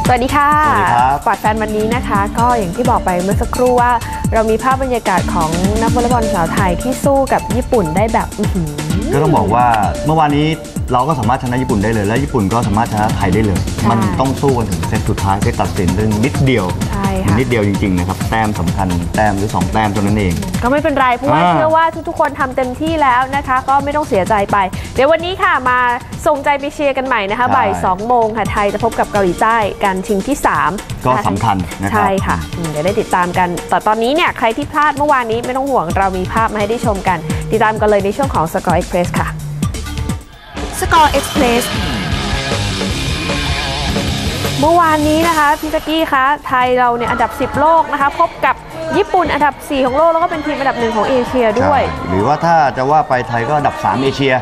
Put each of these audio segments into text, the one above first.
สวัสดีค่ะสวัสดีครับปอดแฟนวันนี้นะคะก็อย่างที่บอกไปเมื่อสักครู่ว่าเรามีภาพบรรยากาศของนักวอลเลย์บอลสาวไทยที่สู้กับญี่ปุ่นได้แบบก็ต้องบอกว่าเมื่อวานนี้เราก็สามารถชนะญี่ปุ่นได้เลยและญี่ปุ่นก็สามารถชนะไทยได้เลยมันต้องสู้กันถึงเซตสุดท้ายเซตตัดสินเรื่องนิดเดียวนิดเดียวจริงๆนะครับแต้มสำคัญแต้มหรือ2แต้มเท่านั้นเองก็ไม่เป็นไรเพราะว่าเชื่อว่าทุกๆคนทำเต็มที่แล้วนะคะก็ไม่ต้องเสียใจไปเดี๋ยววันนี้ค่ะมาส่งใจไปเชียร์กันใหม่นะคะบ่าย 2 โมงค่ะไทยจะพบกับเกาหลีใต้การชิงที่3 ก็สำคัญนะครับใช่ค่ะเดี๋ยวได้ติดตามกันแต่ตอนนี้เนี่ยใครที่พลาดเมื่อวานนี้ไม่ต้องห่วงเรามีภาพมาให้ได้ชมกันติดตามกันเลยในช่วงของ Score Express ค่ะ Score Express เมื่อวานนี้นะคะพี่ตะกี้คะไทยเราเนี่ยอันดับ10โลกนะคะพบกับญี่ปุ่นอันดับ4ของโลกแล้วก็เป็นทีมอันดับ1ของเอเชียด้วยหรือว่าถ้าจะว่าไปไทยก็อันดับ3เอเชีย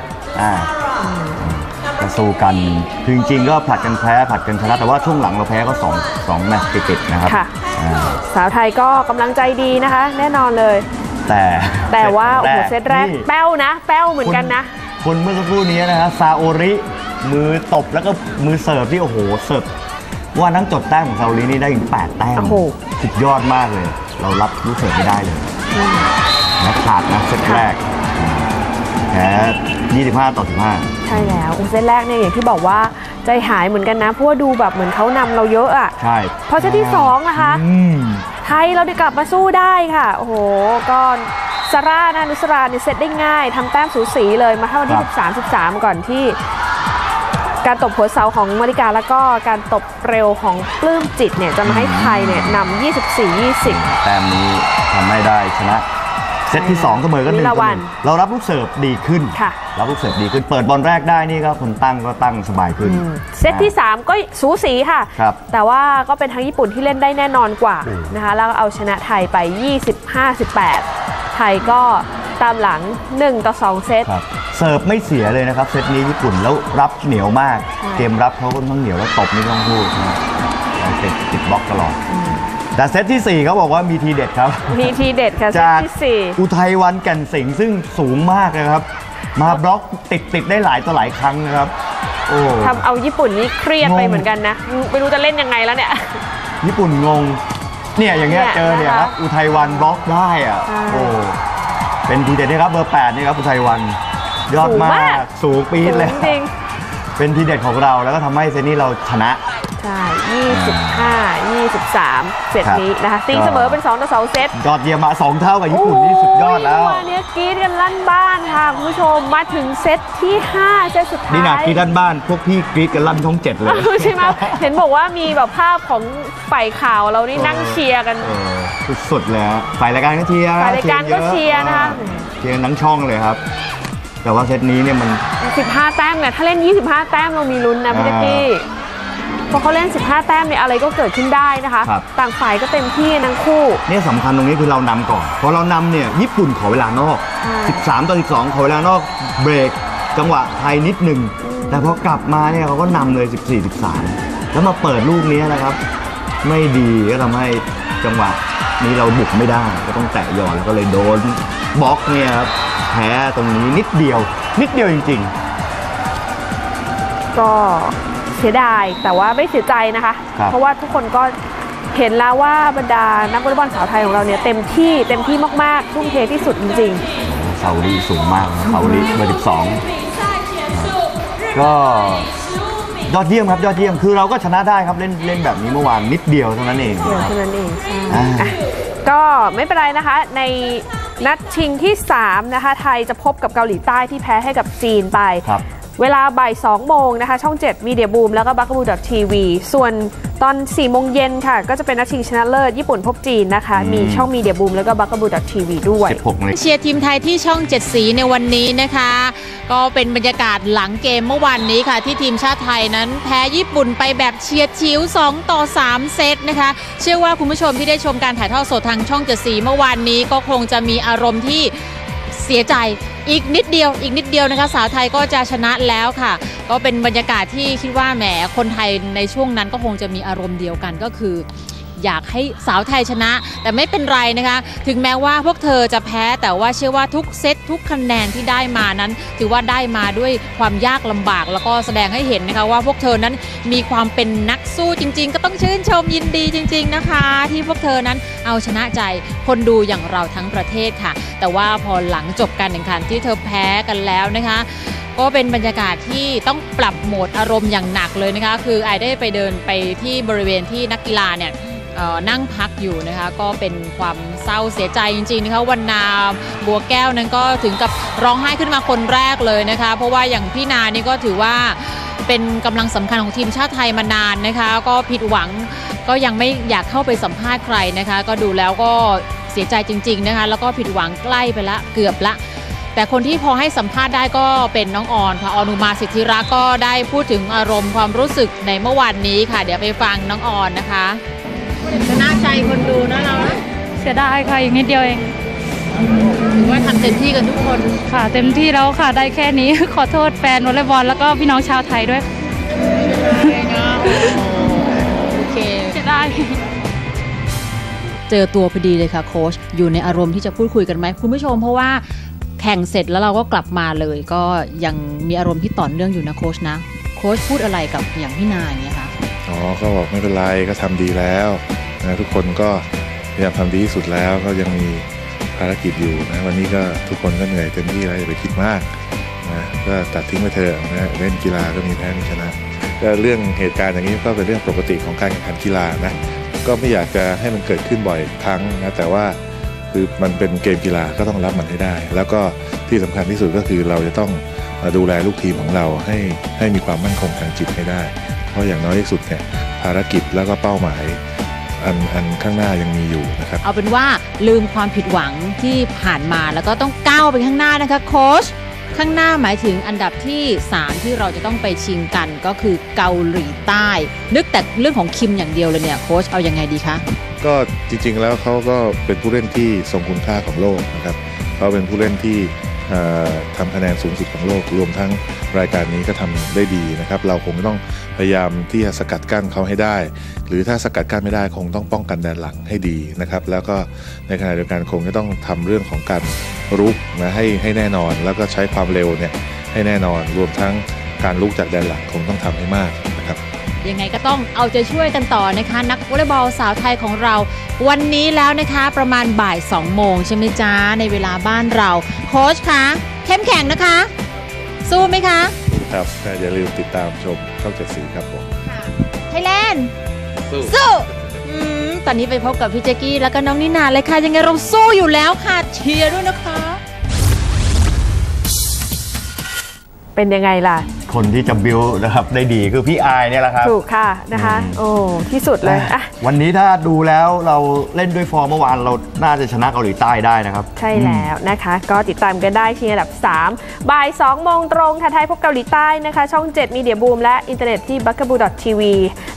จะสู้กันคือจริงๆก็ผลัดกันแพ้ผลัดกันชนะแต่ว่าช่วงหลังเราแพ้ก็2แมตช์ติดๆนะครับสาวไทยก็กำลังใจดีนะคะแน่นอนเลยแต่ว่าโอ้โหเซตแรกแป้วนะแป้วเหมือนกันนะคนเมื่อสักครู่นี้นะฮะซาโอริมือตบแล้วก็มือเสิร์ฟที่โอ้โหเสิร์ฟว่านั่งจดแต้มของซาโอรินี่ได้ถึง8แต้มสุดยอดมากเลยเรารับลูกเสิร์ฟไม่ได้เลยและขาดนะเซตแรกแพ้25-15ใช่แล้วเซตแรกเนี่ยอย่างที่บอกว่าใจหายเหมือนกันนะเพราะว่าดูแบบเหมือนเขานำเราเยอะอ่ะใช่พอเซตที่2นะคะไทยเราได้กลับมาสู้ได้ค่ะโอ้โหก็ซาร่านะนุสราเนี่ยเซตได้ง่ายทำแต้มสูสีเลยมาเข้าวันที่13-13ก่อนที่การตบหัวเสาของมาริกาแล้วก็การตบเร็วของปลื้มจิตเนี่ยจะมาให้ไทยเนี่ยนำ24-20 แต้มนี้ทำให้ได้ชนะเซตที่2เสมอกัน1-1เรารับลูกเสิร์ฟดีขึ้นรับลูกเสิร์ฟดีขึ้นเปิดบอลแรกได้นี่ก็คนตั้งก็ตั้งสบายขึ้นเซตที่3ก็สูสีค่ะแต่ว่าก็เป็นทางญี่ปุ่นที่เล่นได้แน่นอนกว่านะคะแล้วเอาชนะไทยไป25-18ไทยก็ตามหลัง1-2เซตเสิร์ฟไม่เสียเลยนะครับเซตนี้ญี่ปุ่นแล้วรับเหนียวมากเกมรับเขาก็ต้องเหนียวแล้วตบนี่ต้องพูดติดบล็อกตลอดแต่เซตที่4เขาบอกว่ามีทีเด็ดครับมีทีเด็ดค่ะเซตที่4 อุทัยวันแก่นสิงห์ซึ่งสูงมากนะครับมาบล็อกติดได้หลายต่อหลายครั้งนะครับโอ้ทำเอาญี่ปุ่นนี่เครียดไปเหมือนกันนะไม่รู้จะเล่นยังไงแล้วเนี่ยญี่ปุ่นงงเนี่ยอย่างเงี้ยเจอเนี่ยครับอุทัยวันบล็อกได้อ่ะโอ้เป็นทีเด็ดนะครับเบอร์8นี่ครับอุทัยวันยอดมากสูงปี๊ดเลยเป็นทีเด็ดของเราแล้วก็ทำให้เซตนี้เราชนะใช่25-23เซตนี้นะคะตีเสมอเป็น2-2เซตยอดเยี่ยมมา2เท่ากับญี่ปุ่นนี่สุดยอดแล้ววันนี้กรี๊ดกันลั่นบ้านค่ะคุณผู้ชมมาถึงเซตที่5เซตสุดท้ายนี่นะกรี๊ดลั่นบ้านพวกพี่กรี๊ดกันลั่นท้อง7เลยใช่ไหมเห็นบอกว่ามีแบบภาพของฝ่ายข่าวเรานี่นั่งเชียร์กันสุดๆเลยฝ่ายรายการก็เชียร์ฝ่ายรายการก็เชียร์นะคะเชียร์ทั้งช่องเลยครับแต่ว่าเซตนี้เนี่ยมัน 15แต้มเนี่ยถ้าเล่น25แต้มเรามีลุ้นนะพี่ตะกี้พอเขาเล่น15แต้มเนี่ยอะไรก็เกิดขึ้นได้นะคะต่างฝ่ายก็เต็มที่ทั้งคู่เนี่ยสำคัญตรงนี้คือเรานำก่อนพอเรานำเนี่ยญี่ปุ่นขอเวลานอก13-12ขอเวลานอกเบรกจังหวะไทยนิดหนึ่งแต่พอกลับมาเนี่ยเขาก็นำเลย14-13แล้วมาเปิดลูกนี้นะครับไม่ดีก็ทำให้จังหวะนี้เราบุกไม่ได้ก็ต้องแตะหย่อนแล้วก็เลยโดนบล็อกเนี่ยครับแพ้ตรงนี้นิดเดียวจริงๆก็เสียดายแต่ว่าไม่เสียใจนะคะเพราะว่าทุกคนก็เห็นแล้วว่าบรรดานักวอลเลย์บอลสาวไทยของเราเนี่ยเต็มที่มากๆทุ่มเทที่สุดจริงๆซาอุดีสูงมากซาอุดีเบอร์12ก็ยอดเยี่ยมครับยอดเยี่ยมคือเราก็ชนะได้ครับเล่นแบบนี้เมื่อวานนิดเดียวเท่านั้นเองก็ไม่เป็นไรนะคะในนัดชิงที่3นะคะไทยจะพบกับเกาหลีใต้ที่แพ้ให้กับจีนไปเวลาบ่าย 2 โมงนะคะช่อง7 Media Boom แล้วก็ Bakabu.tv ส่วนตอน 4 โมงเย็นค่ะก็จะเป็นนัดชิงชนะเลิศญี่ปุ่นพบจีนนะคะมีช่อง Media Boom แล้วก็ Bakabu.tv ด้วยเชียร์ทีมไทยที่ช่อง7สีในวันนี้นะคะก็เป็นบรรยากาศหลังเกมเมื่อวานนี้ค่ะที่ทีมชาติไทยนั้นแพ้ญี่ปุ่นไปแบบเฉียดฉิว2-3เซตนะคะเชื่อว่าคุณผู้ชมที่ได้ชมการถ่ายทอดสดทางช่อง7สีเมื่อวานนี้ก็คงจะมีอารมณ์ที่เสียใจอีกนิดเดียวนะคะสาวไทยก็จะชนะแล้วค่ะก็เป็นบรรยากาศที่คิดว่าแหมคนไทยในช่วงนั้นก็คงจะมีอารมณ์เดียวกันก็คืออยากให้สาวไทยชนะแต่ไม่เป็นไรนะคะถึงแม้ว่าพวกเธอจะแพ้แต่ว่าเชื่อว่าทุกเซตทุกคะแนนที่ได้มานั้นถือว่าได้มาด้วยความยากลำบากแล้วก็แสดงให้เห็นนะคะว่าพวกเธอนั้นมีความเป็นนักสู้จริงๆก็ต้องชื่นชมยินดีจริงๆนะคะที่พวกเธอนั้นเอาชนะใจคนดูอย่างเราทั้งประเทศค่ะแต่ว่าพอหลังจบการแข่งขันที่เธอแพ้กันแล้วนะคะก็เป็นบรรยากาศที่ต้องปรับโหมดอารมณ์อย่างหนักเลยนะคะคือไอได้ไปเดินไปที่บริเวณที่นักกีฬาเนี่ยนั่งพักอยู่นะคะก็เป็นความเศร้าเสียใจจริงๆนะคะวรรณาบัวแก้วนั้นก็ถึงกับร้องไห้ขึ้นมาคนแรกเลยนะคะเพราะว่าอย่างพี่นานี่ก็ถือว่าเป็นกำลังสำคัญของทีมชาติไทยมานานนะคะก็ผิดหวังก็ยังไม่อยากเข้าไปสัมภาษณ์ใครนะคะก็ดูแล้วก็เสียใจจริงๆนะคะแล้วก็ผิดหวังใกล้ไปละเกือบละแต่คนที่พอให้สัมภาษณ์ได้ก็เป็นน้องออนค่ะออนุมาสิทธิรักษ์ก็ได้พูดถึงอารมณ์ความรู้สึกในเมื่อวานนี้ค่ะเดี๋ยวไปฟังน้องออนนะคะชนะใจคนดูนะเราเสียดายค่ะอีกนิดเดียวเองถือว่าทำเต็มที่กันทุกคนค่ะเต็มที่แล้วค่ะได้แค่นี้ขอโทษแฟนวอลเลย์บอลแล้วก็พี่น้องชาวไทยด้วยโอเคเสียดายเจอตัวพอดีเลยค่ะโค้ชอยู่ในอารมณ์ที่จะพูดคุยกันไหมคุณผู้ชมเพราะว่าแข่งเสร็จแล้วเราก็กลับมาเลยก็ยังมีอารมณ์ที่ต่อเนื่องอยู่นะโค้ชนะโค้ชพูดอะไรกับอย่างพี่นาอย่างเงี้ยคะก็บอกไม่เป็นไรก็ทำดีแล้วนะทุกคนก็พยายามทำดีที่สุดแล้วก็ยังมีภารกิจอยู่นะวันนี้ก็ทุกคนก็เหนื่อยเต็มที่แล้วอย่าไปคิดมากนะก็ตัดทิ้งไปเถอะนะเล่นกีฬาก็มีแพ้มีชนะก็เรื่องเหตุการณ์อย่างนี้ก็เป็นเรื่องปกติของการแข่งขันกีฬานะก็ไม่อยากจะให้มันเกิดขึ้นบ่อยครั้งนะแต่ว่าคือมันเป็นเกมกีฬาก็ต้องรับมันให้ได้แล้วก็ที่สำคัญที่สุดก็คือเราจะต้องดูแลลูกทีมของเราให้มีความมั่นคงทางจิตให้ได้เพราะอย่างน้อยที่สุดเนี่ยภารกิจแล้วก็เป้าหมายอันข้างหน้ายังมีอยู่นะครับเอาเป็นว่าลืมความผิดหวังที่ผ่านมาแล้วก็ต้องก้าวไปข้างหน้านะคะโค้ชข้างหน้าหมายถึงอันดับที่3ที่เราจะต้องไปชิงกันก็คือเกาหลีใต้นึกแต่เรื่องของคิมอย่างเดียวเลยเนี่ยโค้ชเอายังไงดีคะก็จริงๆแล้วเขาก็เป็นผู้เล่นที่ทรงคุณค่าของโลกนะครับเขาเป็นผู้เล่นที่ทำคะแนนสูงสุดของโลกรวมทั้งรายการนี้ก็ทำได้ดีนะครับเราคงต้องพยายามที่จะสกัดกั้นเขาให้ได้หรือถ้าสกัดกั้นไม่ได้คงต้องป้องกันแดนหลังให้ดีนะครับแล้วก็ในขณะเดียวกันคงจะต้องทำเรื่องของการรุกนะให้แน่นอนแล้วก็ใช้ความเร็วเนี่ยให้แน่นอนรวมทั้งการลุกจากแดนหลังคงต้องทำให้มากนะครับยังไงก็ต้องเอาใจช่วยกันต่อนะคะนักวอลเลย์บอลสาวไทยของเราวันนี้แล้วนะคะประมาณบ่าย2 โมงใช่ไหมจ๊ะในเวลาบ้านเราโค้ชคะเข้มแข็งนะคะสู้ไหมคะครับอย่าลืมติดตามชมช่อง7 สีครับผมไทยแลนด์สู้ตอนนี้ไปพบกับพี่แจ๊กกี้แล้วก็น้องนิน่าเลยค่ะยังไงเราสู้อยู่แล้วค่ะเชียร์ด้วยนะคะเป็นยังไงล่ะคนที่จะบิวนะครับได้ดีคือพี่อายเนี่ยแหละครับถูกค่ะนะคะโอ้ที่สุดเลยอ่ะวันนี้ถ้าดูแล้วเราเล่นด้วยฟอร์มเมื่อวานเราน่าจะชนะเกาหลีใต้ได้นะครับใช่แล้วนะคะก็ติดตามกันได้ที่อันดับ3บ่าย2 โมงตรงค่ะไทยพบเกาหลีใต้นะคะช่อง7 Media Boom และอินเทอร์เน็ตที่ bugaboo.tv